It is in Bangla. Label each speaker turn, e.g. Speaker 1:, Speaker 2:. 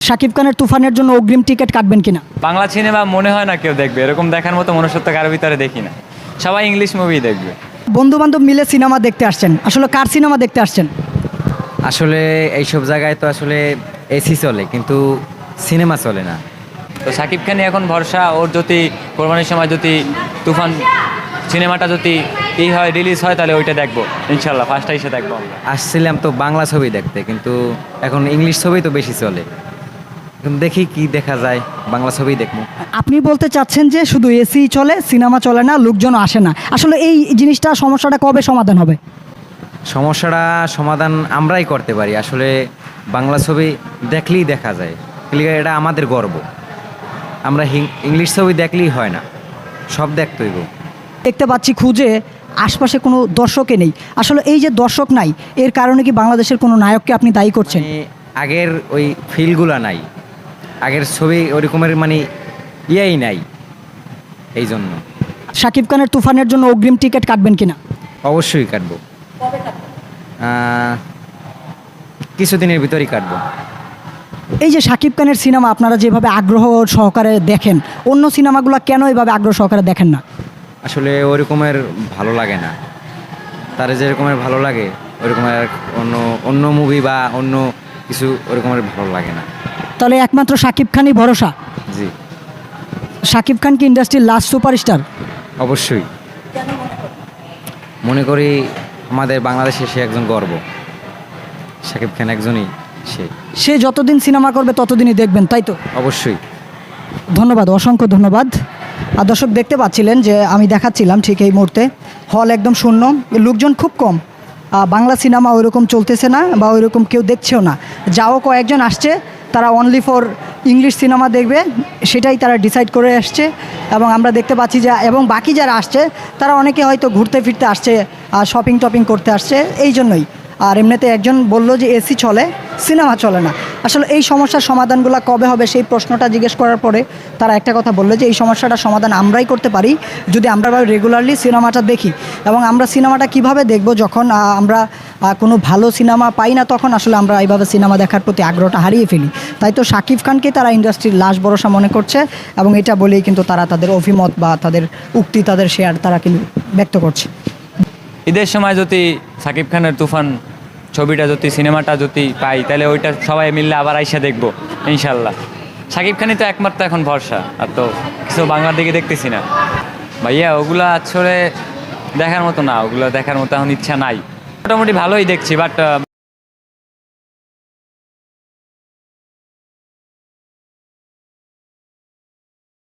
Speaker 1: শাকিব খানের তুফানের জন্য অগ্রিম টিকিট কাটবেন কিনা?
Speaker 2: বাংলা সিনেমা মনে হয় না কেউ দেখবে, এরকম দেখার মতো মনুষ্যত্ব কারো ভিতরে দেখি না। সবাই ইংলিশ মুভি দেখবে।
Speaker 1: বন্ধু বান্ধব মিলে সিনেমা দেখতে আসছেন, আসলে কার সিনেমা দেখতে আসছেন?
Speaker 3: আসলে এইসব জায়গায় তো আসলে এসি চলে, কিন্তু সিনেমা চলে না।
Speaker 2: তো শাকিব খানই এখন ভরসা। ওর যদি কোরবানির সময় যদি তুফান সিনেমাটা যদি হয় রিলিজ হয়, তাহলে ওইটা দেখবো ইনশাল্লাহ, ফার্স্টটা এসে দেখবো আমরা।
Speaker 3: আসছিলাম তো বাংলা ছবি দেখতে, কিন্তু এখন ইংলিশ ছবি তো বেশি চলে। এখন দেখি কি দেখা যায়, বাংলা ছবি দেখবো।
Speaker 1: আপনি বলতে চাচ্ছেন যে শুধু এসি চলে, সিনেমা চলে না, লোকজন আসে না। আসলে এই জিনিসটা, সমস্যাটা কবে সমাধান হবে?
Speaker 3: সমস্যাটা সমাধান আমরাই করতে পারি। আসলে বাংলা ছবি দেখলেই দেখা যায়, এটা আমাদের গর্ব। আমরা ইংলিশ ছবি দেখলেই হয় না, সব দেখতে হইব।
Speaker 1: দেখতে পাচ্ছি খুঁজে আশপাশে কোনো দর্শকই নেই। আসলে এই যে দর্শক নাই, এর কারণে কি বাংলাদেশের কোনো নায়ককে আপনি দায়ী করছেন?
Speaker 3: আগের ওই ফিলগুলা নাই, আগের ছবি ওরকমের ইয়েই নাই, এই জন্য।
Speaker 1: শাকিব খানের তুফানের জন্য অগ্রিম টিকিট কাটবেন কিনা?
Speaker 3: অবশ্যই কাটবো, কিছুদিনের ভিতরেই কাটবো।
Speaker 1: এই যে শাকিব খানের সিনেমা আপনারা যেভাবে আগ্রহ সহকারে দেখেন, অন্য সিনেমাগুলো কেন এইভাবে আগ্রহ সহকারে দেখেন না?
Speaker 3: আসলে ওরকমের ভালো লাগে না, তার যে রকমের ভালো লাগে ওরকমের অন্য অন্য মুভি বা অন্য কিছু ওরকমের ভালো লাগে না।
Speaker 1: তাহলে একমাত্র শাকিব খানই ভরসা?
Speaker 3: জি,
Speaker 1: শাকিব খান কি ইন্ডাস্ট্রির লাস্ট সুপারস্টার?
Speaker 3: অবশ্যই। মনে করি আমাদের বাংলাদেশে সে একজন গর্ব। শাকিব খান একজনই
Speaker 1: সে যতদিন সিনেমা করবে ততদিনই দেখবেন, তাই তো?
Speaker 3: অবশ্যই।
Speaker 1: ধন্যবাদ, অসংখ্য ধন্যবাদ। আর দর্শক দেখতে পাচ্ছিলেন যে আমি দেখাচ্ছিলাম ঠিক এই মুহূর্তে হল একদম শূন্য, লোকজন খুব কম। বাংলা সিনেমা ওইরকম চলতেছে না বা ওইরকম কেউ দেখছেও না। যাও কয়েকজন আসছে, তারা অনলি ফর ইংলিশ সিনেমা দেখবে, সেটাই তারা ডিসাইড করে আসছে। এবং আমরা দেখতে পাচ্ছি যে এবং বাকি যারা আসছে তারা অনেকে হয়তো ঘুরতে ফিরতে আসছে, শপিং টপিং করতে আসছে, এই জন্যই। আর এমনিতে একজন বললো যে এসি চলে, সিনেমা চলে না। আসলে এই সমস্যার সমাধানগুলো কবে হবে সেই প্রশ্নটা জিজ্ঞেস করার পরে তারা একটা কথা বললো যে এই সমস্যাটার সমাধান আমরাই করতে পারি যদি আমরা রেগুলারলি সিনেমাটা দেখি। এবং আমরা সিনেমাটা কিভাবে দেখব, যখন আমরা কোনো ভালো সিনেমা পাই না, তখন আসলে আমরা এইভাবে সিনেমা দেখার প্রতি আগ্রহটা হারিয়ে ফেলি। তাই তো শাকিব খানকে তারা ইন্ডাস্ট্রির লাশ ভরসা মনে করছে, এবং এটা বলেই কিন্তু তারা তাদের অভিমত বা তাদের উক্তি, তাদের শেয়ার তারা কিন্তু ব্যক্ত করছে।
Speaker 2: ঈদের সময় যদি শাকিব খানের তুফান ছবিটা যদি সিনেমাটা যদি পাই, তাহলে ওইটা সবাই মিললে আবার আইসা দেখবো ইনশাল্লাহ। শাকিব খানই তো একমাত্র এখন ভরসা, আর তো কিছু বাংলার দিকে দেখতেছি না ভাইয়া। ওগুলা আসলে দেখার মতো না, ওগুলো দেখার মতো এখন ইচ্ছা নাই। মোটামুটি ভালোই দেখছি, বাট